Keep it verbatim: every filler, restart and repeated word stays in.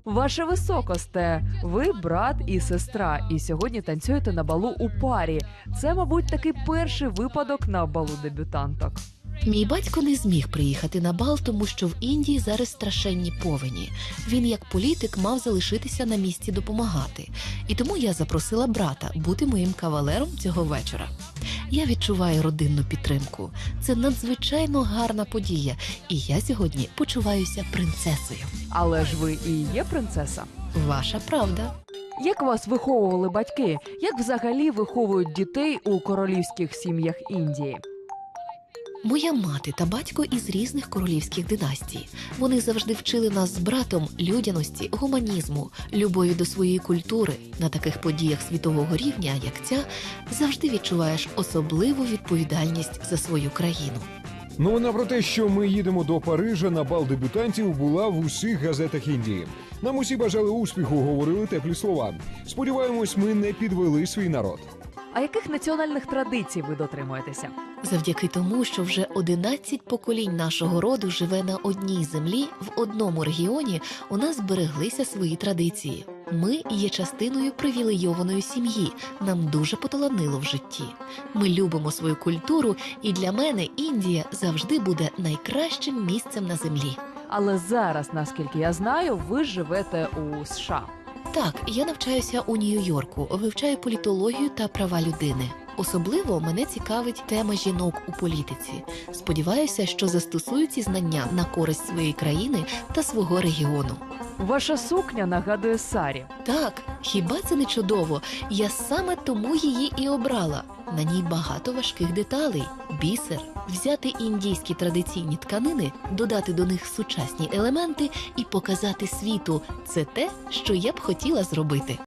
Ваше високосте, ви брат і сестра, і сьогодні танцюєте на балу у парі. Це, мабуть, такий перший випадок на балу дебютанток. Мій батько не зміг приїхати на бал, тому що в Індії зараз страшенні повені. Він, як політик, мав залишитися на місці допомагати. І тому я запросила брата бути моїм кавалером цього вечора. Я відчуваю родинну підтримку. Це надзвичайно гарна подія. І я сьогодні почуваюся принцесою. Але ж ви і є принцеса. Ваша правда. Як вас виховували батьки? Як взагалі виховують дітей у королівських сім'ях Індії? Моя мати та батько із різних королівських династій. Вони завжди вчили нас з братом людяності, гуманізму, любові до своєї культури. На таких подіях світового рівня, як ця, завжди відчуваєш особливу відповідальність за свою країну. Новина про те, що ми їдемо до Парижа на бал дебютантів, була в усіх газетах Індії. Нам усі бажали успіху, говорили теплі слова. Сподіваємось, ми не підвели свій народ. А яких національних традицій ви дотримуєтеся? Завдяки тому, що вже одинадцять поколінь нашого роду живе на одній землі, в одному регіоні, у нас збереглися свої традиції. Ми є частиною привілейованої сім'ї, нам дуже поталанило в житті. Ми любимо свою культуру, і для мене Індія завжди буде найкращим місцем на землі. Але зараз, наскільки я знаю, ви живете у США. Так, я навчаюся у Нью-Йорку, вивчаю політологію та права людини. Особливо мене цікавить тема жінок у політиці. Сподіваюся, що застосую ці знання на користь своєї країни та свого регіону. Ваша сукня нагадує сарі. Так, хіба це не чудово? Я саме тому її і обрала. На ній багато важких деталей, бісер. Взяти індійські традиційні тканини, додати до них сучасні елементи і показати світу – це те, що я б хотіла зробити.